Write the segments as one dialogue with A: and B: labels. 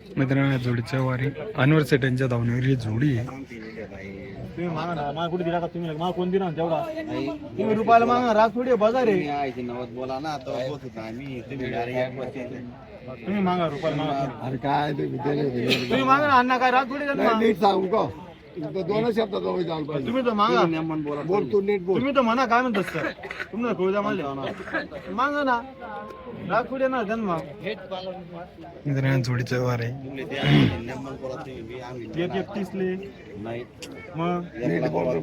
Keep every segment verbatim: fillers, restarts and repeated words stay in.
A: मित्रांनो या जोडीच्या वारी अनवर सेट यांच्या धावणीवर ही जोडी आहे.
B: तुम्ही मागा ना मला कुठे दिला का तुम्ही मला कोण दिला तेवढा तुम्ही रुपयाला मागा राग थोडी बाजार आहे
C: बोला ना आम्ही
B: तुम्ही मागा रुपयाला मागा
C: अरे काय
B: तुम्ही मागा ना अण्णा काय राग थोडी देणार.
C: नीट सांगू का दोन शब्दात जाऊ पाहिजे.
B: तुम्ही तर मागा
C: बोल तू नीट बोल.
B: तुम्ही तर म्हणा काय म्हणतात सर तुम्हाला कळू द्या मला मागा ना राग थोडी येणार त्यांना
A: मित्रांनो जोडीच्या वारी
B: एक एकतीस ले
C: नाही
B: मग
C: नीट बोल.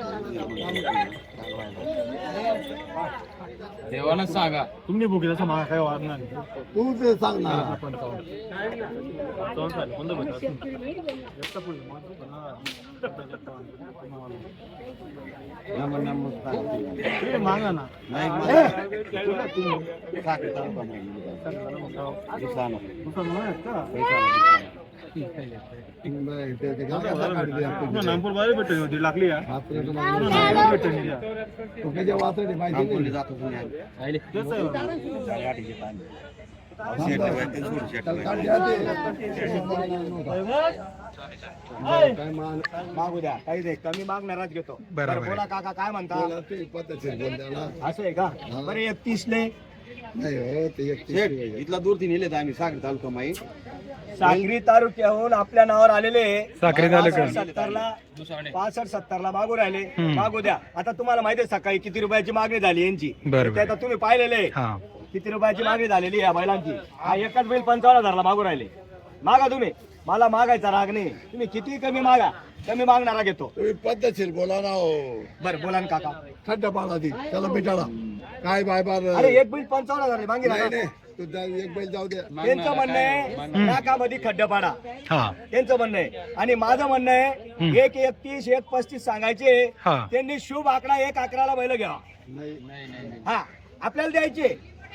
B: देवानं सांगा तुम्ही बुक तसं मागा काय वाढणार नाही.
C: तू ते सांग ना.
B: तुम्ही मागा ना नामपूर बाहेर भेटली होती लागली मागू द्या काही दे कमी मागणाराच घेतो.
A: बरोबर.
B: बोला काका काय म्हणता असं आहे का बरं एकतीस ले
C: इथला दूरती नेले आम्ही साखर तालुका माई
B: साक्री तालुक्याहून आपल्या नावावर आलेले
A: साक्री तालुका.
B: सत्तरला पासष्ट सत्तरला मागू राहिले
A: हम्म.
B: मागू द्या. आता तुम्हाला माहिती आहे सकाळी किती रुपयाची मागणी झाली यांची
A: बरोबर.
B: ते आता तुम्ही पाहिलेले
A: हा
B: किती रुपयाची मागणी झालेली या बैलांची. हा एकच बैल पंचावन्न हजारला मागू राहिले. मागा तुम्ही मला मागायचा राग नाही तुम्ही किती कमी मागा कमी मागणारा घेतो.
C: तुम्ही पद्धतशीर बोला ना हो.
B: बरं बोला ना काका
C: खड्ड पाला ती त्याला मिटाला काय बाय बार
B: अरे एक बैल पंचावन्न हजार मागे
C: नाही नाही तू जा- एक बैल जाऊ दे.
B: त्यांचं म्हणणं आहे नाकामध्ये खड्ड पाडा
A: हा
B: त्यांचं म्हणणं आहे आणि माझं म्हणणं आहे एक एकतीस एक पस्तीस सांगायचे
A: हा.
B: त्यांनी शुभ आकडा एक अकराला बैल घ्यावा.
C: नाही
B: हा आपल्याला द्यायचे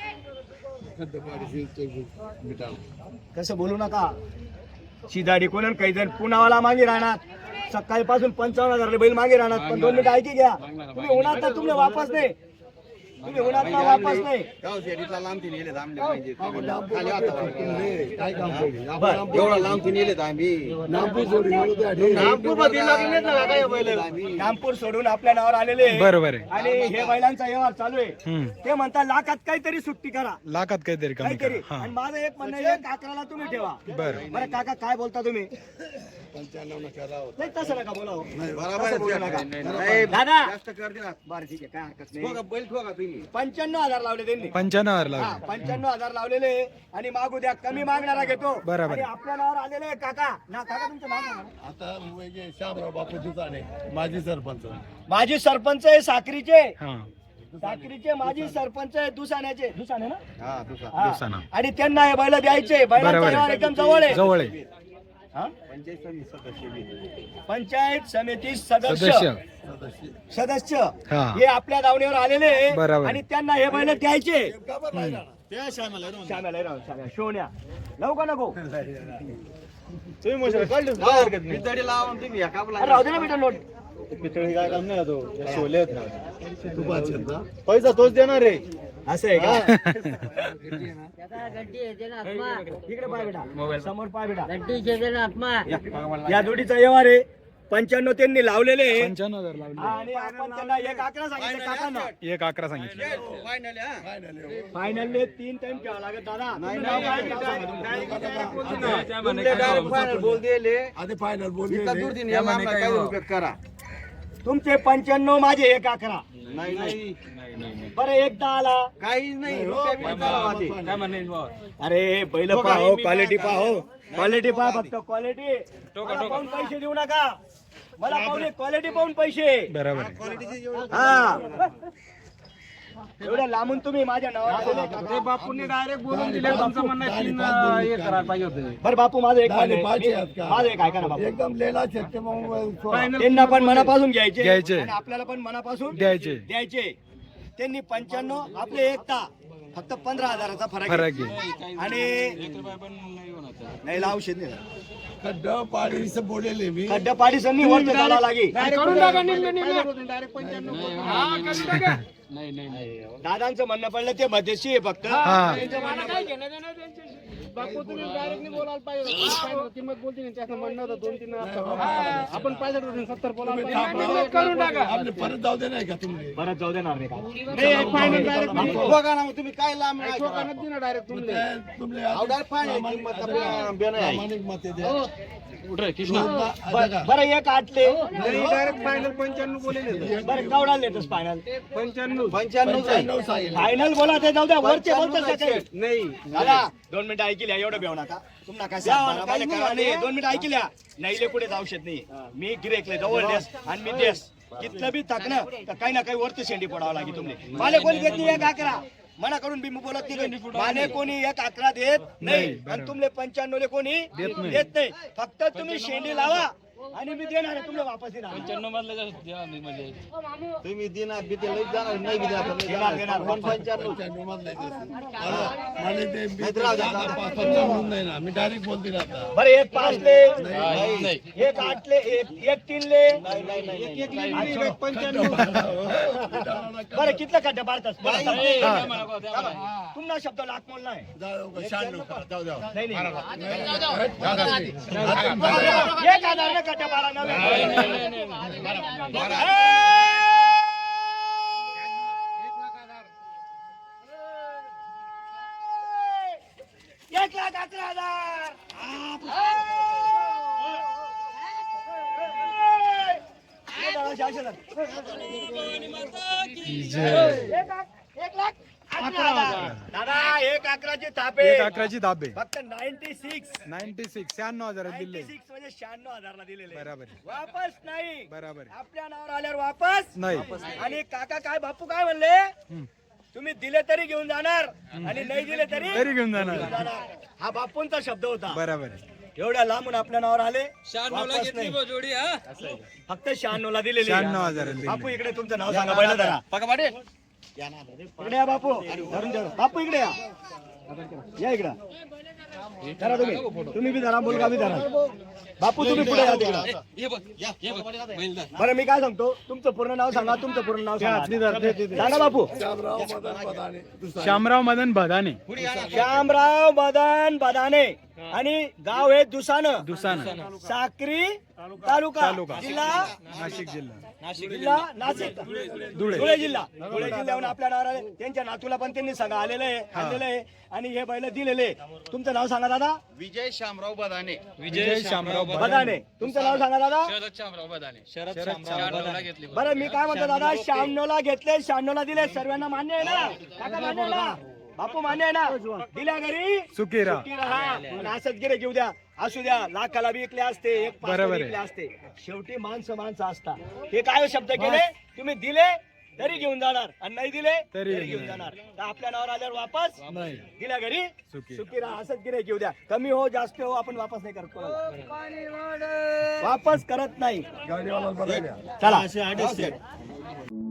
C: खड्ड पाडीशी ते मिटाला.
B: कसं बोलू नका शिदाडी कोण काही जण पुनावाला मागे राहणार सकाळीपासून पंचावन्न हजार बैल मागे राहणार पण दोन मिनिट ऐकी घ्या तुम्ही होणार तर तुम्ही वापस नाही तुम्ही होणार ना वापस नाही.
C: इथला लांबती नेले आमले पाहिजे खाली आता काय काम केलं
B: बरं.
C: एवढा लांबती नेले आम्ही नागपूर सोडून गेलो त्या ठिकाणी.
B: नागपूर मध्ये लागले ना काय बैल नागपूर सोडून आपल्या नावावर आलेले
A: बरोबर आहे.
B: आणि हे बैलांचा व्यवहार चालू आहे.
A: हम्म.
B: ते म्हणतात लाखात काहीतरी सुट्टी करा
A: लाखात काहीतरी कमी
B: काहीतरी
A: करा. हा
B: आणि माझं एक म्हणणं आहे काकराला तुम्ही ठेवा.
A: बरं.
B: बरं काका काय बोलता तुम्ही
C: पंच्याण्णव न करा हो.
B: नाही तसं नका बोला हो.
C: बरोबर
B: तसं बोलू
C: आहे.
B: नका.
C: नाही, नाही.
B: दादा
C: जास्त कर दे ना.
B: बरं ठीक आहे काय हरकत
C: ठोका,
B: नाही.
C: बैल ठोका तुम्ही.
B: पंच्याण्णव हजार लावले त्यांनी
A: पंच्याण्णव हजार
B: हा
A: लागले.
B: पंच्याण्णव हजार लावलेले आणि मागू द्या कमी मागणारा घेतो.
A: बरोबर.
B: आणि आपल्या नावावर आलेले काका ना काका तुमचं नाव सांगा ना.
C: आता वेगळे शामराव बापू दुचाने माजी सरपंच.
B: माजी सरपंच आहे साक्रीचे
A: हा
B: साक्रीचे माजी सरपंच आहे दुसाण्याचे दुसाने ना
C: हा दुसरा
B: हा.
A: दुसाणा.
B: आणि त्यांना हे बैल द्यायचे बैलांचा
A: बरोबर
B: व्यवहार
A: आहे.
B: एकदम जवळ आहे.
A: जवळ आहे.
B: हा?
C: पंचायत समिती सदस्य बी.
B: पंचायत समिती सदस्य
A: सदस्य
B: सदस्य
A: हा.
B: हे आपल्या दावणीवर आलेले आहे.
A: बरोबर.
B: आणि त्यांना हे बैल द्यायचे
C: का बरं राहिला?
B: श्याम्याला राव, श्याम्या, शोन्या लावू का नको तुम्ही मग कळलं काय हरकत नाही.
C: पितळी लावा आणि तुम्ही एका आपला-
B: अरे राहू दे ना बेटा नोट पितळी काय काम नाही तो शोले आहेत ना.
C: तू पाचशे ना?
B: पैसा तोच देणार रे असं आहे का
D: गड्डी येते ना आत्मा
B: इकडे पाय बेटा समोर पाय बेटा
D: गड्डी येते ना आत्मा
B: या जोडीचा व्यवहार आहे पंच्याण्णव त्यांनी लावलेले आहे.
A: पंच्याण्णव हजार लावले.
B: आणि आपण त्यांना एक अकरा सांगितलं काकांना
A: एक अकरा सांगितले.
C: फायनल आहे, हा? फायनल आहे, हो.
B: फायनल तीन टाइम ठेवा लागत दादा तुम्ही नाव काय नाव सांगा तुमचं.
C: तुमले direct final बोल दिले.
E: आधी फायनल बोलले
C: इथला दूरदीन याला आम्हाला काही उपयोग करा.
B: तुमचे पंच्याण्णव माझे एक अकरा
C: नाही नाही
B: बरं एकदा आला
C: काही नाही रुपये बी चालवा ते.
B: अरे बैल पाहो क्वालिटी पाहो क्वालिटी पहा फक्त क्वालिटी पाहून पैसे देऊ नका मला पाहून क्वालिटी पाहून पैसे
A: बरोबर आहे.
B: हा एवढ्या लांबून तुम्ही माझ्या नावावर
E: बापूंनी डायरेक्ट बोलून दिले तुमचं म्हणणं तीन हे करायला पाहिजे होते.
B: बरं बापू माझं एक
E: दहा
B: म्हणणं
E: पाचशे
B: आहे.
E: आहेत का?
B: माझं एक ऐका ना बापू
E: एकदम लेला शेतके मग सोळा.
B: त्यांना पण मनापासून घ्यायचे
A: घ्यायचे.
B: आणि आपल्याला पण मनापासून
A: द्यायचे.
B: द्यायचे त्यांनी पंच्याण्णव आपले एकता फक्त पंधरा हजाराचा फरक
A: फरक
B: आहे. आणि नाही लावशेत नाही
E: खड्ड पाडी से बोलेले मी
B: खड्डा पाडीसांनी वरती जायला लागे दादांचं म्हणणं पडलं ते मध्यशी आहे फक्त
A: हा.
B: त्यांचं म्हणणं-
E: बापू तुम्ही डायरेक्टली बोलायला पाहिजे होतं. किंमत बोलते ना त्याचं म्हणणं होतं दोन तीन आपण पाहिजे होतं सत्तर बोलायला पाहिजे. करून टाका
D: आपले परत जाऊ दे नाही का तुम्ही
B: परत जाऊ देणार नाही का
E: नाही फायनल डायरेक्ट
C: बघा ना मग तुम्ही काय लांब नाही करा.
E: शोकानच दिना डायरेक्ट तुमले
D: तुमले
C: अहो, direct फायनल किंमत आपल्या बेन आहे.
D: प्रामाणिक मते द्या
B: बरं बरं, एक आटले
E: डायरेक्ट फायनल पंच्याण्णव बोलेले
B: बरं केवढा लेतस फायनल
E: पंच्याण्णव
C: पंच्याण्णव आहे.
D: नऊ सांगितलं
B: फायनल बोला ते जाऊ द्या वरचे बोलतच काही
E: नाही
B: दादा दोन मिनिटं ऐकल्या एवढं बेव नका तुम्हाला काय सांगणार मला कळलं नाही. दोन मिनिटं ऐकल्या नाही कुठे औषध नाही मी गिरेकले जवळ देस आणि मी देस कितलं बी थकणं तर काही ना काही वरती शेंडी पडावं लागेल तुम्ही मला कोणी देत नाही एक अकरा मना करून मी बोलत नाही माने कोणी एक अकरा देत नाही आणि तुमले पंच्याण्णव कोणी देत नाही फक्त तुम्ही शेंडी लावा आणि मी देणार आहे तुमले वापस देणार
C: तुम्ही दिना बिते लई जाणार नाही बिते आपण नाही
B: देणार, देणार.
C: जाणार. पण पंच्याण्णव
D: पंच्याण्णव मधलं आहे ते. मला- मला ते बी-
C: नाहीतर राहू द्या.
D: पाच- पंचावन्न नाही ना मी डायरेक्ट बोलते आता
B: बरं एक पाचले एक आठले एक एक तीनले बरं कितलं खड्डे पाडतात तुमचा शब्द लाख मोल नाही
D: शहाण्णव करा, जाऊ द्या
B: नाही नाही एक हजार ना खड्डे पाडा एक लाख अकरा हजार एक लाख अकरा हजार दादा एक अकराची थापे
A: एक अकराची दाबे
B: फक्त नाईन्टी सिक्स
A: नाईन्टी सिक्स शहाण्णव हजार दिले
B: नाईन्टी सिक्स म्हणजे शहाण्णव हजारला दिलेले
A: बराबर आहे.
B: वापस नाही
A: बराबर आहे.
B: आपल्या नावावर आल्यावर वापस
A: नाही
B: आणि काका काय बापू काय म्हणले तुम्ही दिले तरी घेऊन जाणार आणि नाही दिले तरी
A: तरी घेऊन जाणार
B: जाणार. हा बापूंचा शब्द होता
A: बराबर आहे.
B: एवढ्या लांबून आपल्या नावावर आले वापस नाही. फक्त शहाण्णव ला दिलेले
A: शहाण्णव हजार दिले.
B: बापू इकडे तुमचं नाव सांगा पहिलं जरा इकडे या बापू धरून ठेवा. बापू इकडे या या इकडं धरा तुम्ही तुम्ही बी धरा मुलगा बी धरा बापू तुम्ही पुढे या तिकडं बरं मी काय सांगतो तुमचं पूर्ण नाव सांगा तुमचं पूर्ण नाव सांगा सांगा बापू
D: श्यामराव मदन पदाने दुसरा
A: श्यामराव मदन भदाने
B: श्यामराव मदन बदाने आणि गाव आहे दुसानं
A: दुसाना
B: साक्री तालुका
A: तालुका.
B: जिल्हा
A: नाशिक जिल्हा
B: जिल्हा नाशिक
A: धुळे.
B: धुळे जिल्हा धुळे जिल्ह्याहून आपल्या नावावर आले. त्यांच्या नातूला पण त्यांनी सगळं आलेलं आहे आणलेलं आहे आणि हे बैल दिलेले तुमचं नाव सांगा दादा
C: विजय शामराव बदाने
A: विजय श्यामराव
B: बदाने तुमचं नाव सांगा दादा
A: शरद श्यामराव बदाने
B: बरं मी काय म्हणतो दादा शहाण्णवला घेतले शहाण्णवला दिले सर्वांना मान्य आहे ना काका मान्य आहे ना बापू मान्य आहे ना दिल्या घरी
A: सुखी राहा.
B: सुखी राहा आणि असंच गिरे घेऊ द्या असू द्या लाखाला बी विकले असते एक पाच
A: बरोबर आहे.
B: विकले असते शेवटी माणसं माणसं असतात हे काय शब्द केले तुम्ही दिले तरी घेऊन जाणार आणि नाही दिले
A: तरी
B: तरी घेऊन जाणार तर आपल्या नावावर आल्यावर वापस
A: नाही
B: दिल्या घरी
A: सुखी.
B: सुखी राहा असंच गिरे घेऊ द्या कमी हो जास्त हो आपण वापस नाही करत कोणाला. वापस करत नाही
D: गाडीवाला बघायला
B: चला